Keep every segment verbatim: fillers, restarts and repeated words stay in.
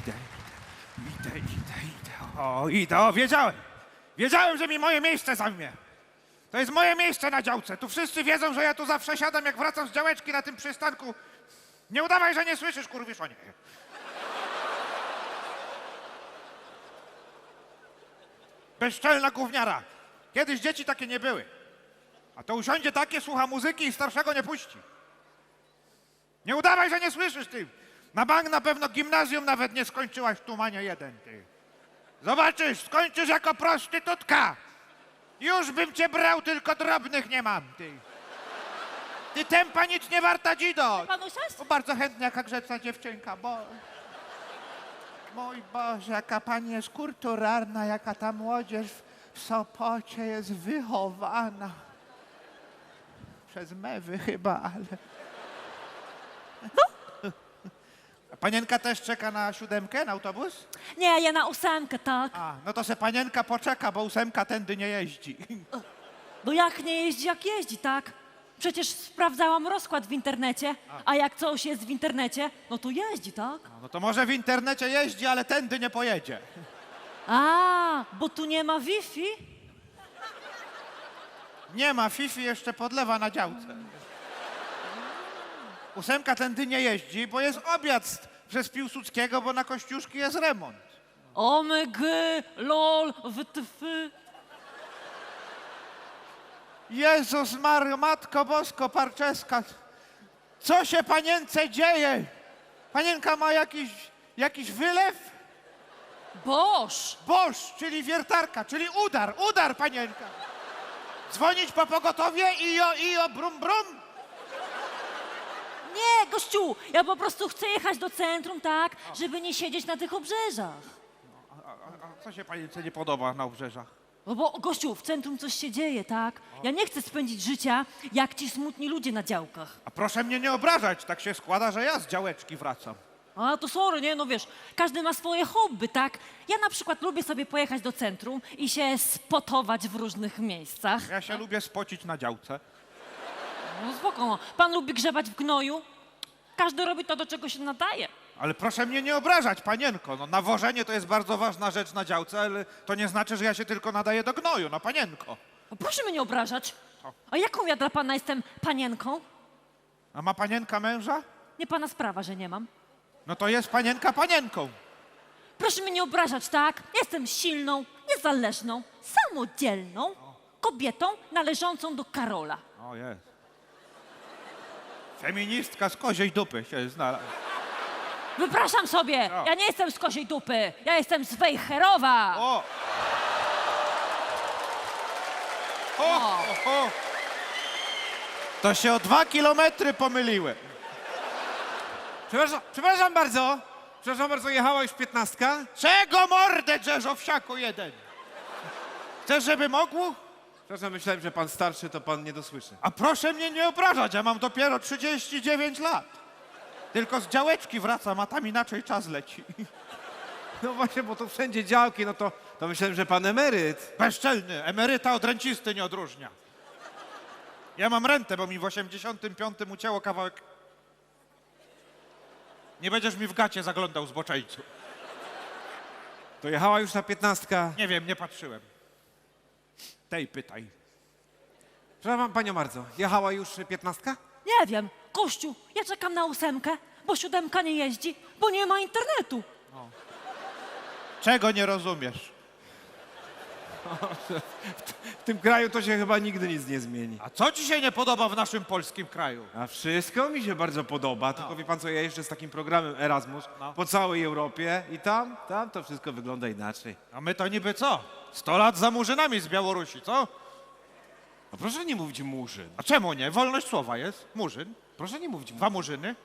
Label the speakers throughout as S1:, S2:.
S1: idę, idę, idę, idę. O, idę, o, wiedziałem. Wiedziałem, że mi moje miejsce zajmie. To jest moje miejsce na działce. Tu wszyscy wiedzą, że ja tu zawsze siadam, jak wracam z działeczki na tym przystanku. Nie udawaj, że nie słyszysz, kurwiszonie. Bezczelna gówniara. Kiedyś dzieci takie nie były. A to usiądzie takie, słucha muzyki i starszego nie puści. Nie udawaj, że nie słyszysz, ty. Na bank na pewno gimnazjum nawet nie skończyłaś w Tumanie jeden, ty. Zobaczysz, skończysz jako prostytutka. Już bym cię brał, tylko drobnych nie mam, ty. Ty tempa nic nie warta, dzido.
S2: Pan usiąść?
S1: O, bardzo chętnie, jaka grzeczna dziewczynka, bo... Mój Boże, jaka pani jest kulturalna, jaka ta młodzież w Sopocie jest wychowana. Przez mewy chyba, ale... A panienka też czeka na siódemkę, na autobus?
S2: Nie, ja na ósemkę, tak.
S1: A, no to se panienka poczeka, bo ósemka tędy nie jeździ.
S2: No jak nie jeździ, jak jeździ, tak? Przecież sprawdzałam rozkład w internecie, a jak coś jest w internecie, no to jeździ, tak?
S1: No to może w internecie jeździ, ale tędy nie pojedzie.
S2: A, bo tu nie ma Wi-Fi?
S1: Nie ma, Fifi jeszcze podlewa na działce. Ósemka tędy nie jeździ, bo jest objazd przez Piłsudskiego, bo na Kościuszki jest remont.
S2: Omg, lol, wytf.
S1: Jezus Mario, Matko Bosko, Parczeska. Co się panience dzieje? Panienka ma jakiś, jakiś wylew?
S2: Boż!
S1: Boż, czyli wiertarka, czyli udar, udar panienka. Dzwonić po pogotowie i o, i o, brum, brum.
S2: Nie, gościu, ja po prostu chcę jechać do centrum, tak, żeby nie siedzieć na tych obrzeżach.
S1: A, a, a co się panience nie podoba na obrzeżach?
S2: No bo, gościu, w centrum coś się dzieje, tak? Ja nie chcę spędzić życia jak ci smutni ludzie na działkach.
S1: A proszę mnie nie obrażać, tak się składa, że ja z działeczki wracam.
S2: A to sorry, nie? No wiesz, każdy ma swoje hobby, tak? Ja na przykład lubię sobie pojechać do centrum i się spotować w różnych miejscach.
S1: Ja się lubię spocić na działce.
S2: No spoko, no. Pan lubi grzebać w gnoju? Każdy robi to, do czego się nadaje.
S1: Ale proszę mnie nie obrażać, panienko. No, nawożenie to jest bardzo ważna rzecz na działce, ale to nie znaczy, że ja się tylko nadaję do gnoju, no panienko.
S2: No proszę mnie nie obrażać. A jaką ja dla pana jestem panienką?
S1: A ma panienka męża?
S2: Nie pana sprawa, że nie mam.
S1: No to jest panienka panienką.
S2: Proszę mnie nie obrażać, tak? Jestem silną, niezależną, samodzielną kobietą należącą do Karola.
S1: O jest. Feministka z koziej dupy się znalazła.
S2: Wypraszam sobie,
S1: No.
S2: ja nie jestem z kosiej dupy, ja jestem z Wejherowa.
S1: O! O, o, o! To się o dwa kilometry pomyliłem.
S3: Przepraszam, przepraszam bardzo. Przepraszam bardzo, jechała już piętnastka?
S1: Czego mordę drzesz, owsiaku jeden? Chcesz, żeby mogło?
S3: Przepraszam, myślałem, że pan starszy, to pan nie dosłyszy.
S1: A proszę mnie nie obrażać, ja mam dopiero trzydzieści dziewięć lat. Tylko z działeczki wracam, a tam inaczej czas leci.
S3: No właśnie, bo tu wszędzie działki, no to, to myślałem, że pan emeryt.
S1: Bezczelny, emeryta od rencisty nie odróżnia. Ja mam rentę, bo mi w osiemdziesiątym piątym ucięło kawałek. Nie będziesz mi w gacie zaglądał, zboczeńcu.
S3: To jechała już ta piętnastka.
S1: Nie wiem, nie patrzyłem. Tej pytaj.
S3: Przepraszam panią bardzo, jechała już piętnastka?
S2: Nie wiem, Kościu, ja czekam na ósemkę, bo siódemka nie jeździ, bo nie ma internetu.
S1: Czego nie rozumiesz?
S3: W tym kraju to się chyba nigdy nic nie zmieni.
S1: A co ci się nie podoba w naszym polskim kraju?
S3: A wszystko mi się bardzo podoba, tylko wie pan co, ja jeżdżę z takim programem Erasmus
S1: No.
S3: po całej Europie i tam, tam to wszystko wygląda inaczej.
S1: A my to niby co? Sto lat za murzynami z Białorusi, co?
S3: No proszę nie mówić murzyn.
S1: A czemu nie? Wolność słowa jest. Murzyn.
S3: Proszę nie mówić
S1: Dwa
S3: murzyn.
S1: murzyny.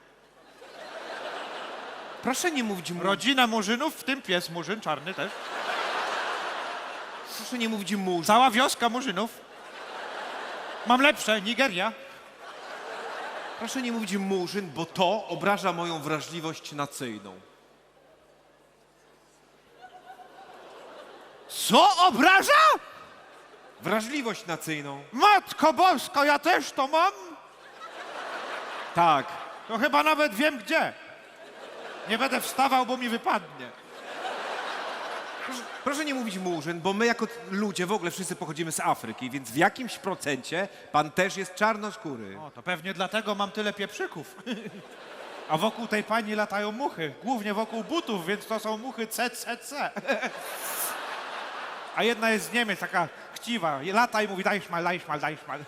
S3: Proszę nie mówić murzyn.
S1: Rodzina murzynów, w tym pies murzyn, czarny też.
S3: Proszę nie mówić murzyn.
S1: Cała wioska murzynów. Mam lepsze, Nigeria.
S3: Proszę nie mówić murzyn, bo to obraża moją wrażliwość nacyjną.
S1: Co obraża?
S3: Wrażliwość nacyjną.
S1: Matko Boska, ja też to mam?
S3: Tak.
S1: To chyba nawet wiem gdzie. Nie będę wstawał, bo mi wypadnie.
S3: Proszę, proszę nie mówić murzyn, bo my jako ludzie w ogóle wszyscy pochodzimy z Afryki, więc w jakimś procencie pan też jest czarnoskóry.
S1: O, to pewnie dlatego mam tyle pieprzyków. A wokół tej pani latają muchy. Głównie wokół butów, więc to są muchy C C C. A jedna jest z Niemiec, taka chciwa. I lata i mówi daj szmal, daj szmal, daj szmal.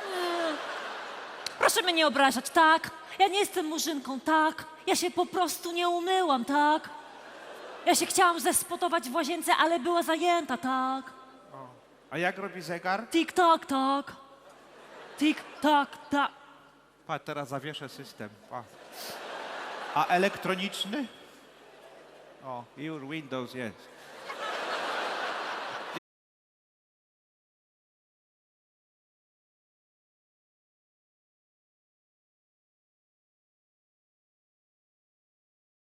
S2: Proszę mnie nie obrażać, tak? Ja nie jestem murzynką, tak? Ja się po prostu nie umyłam, tak? Ja się chciałam zespotować w łazience, ale była zajęta, tak?
S1: A jak robi zegar?
S2: Tik tak, tak. Tik tak, tak.
S1: Patrz, teraz zawieszę system. Pa. A elektroniczny? O, już Windows jest.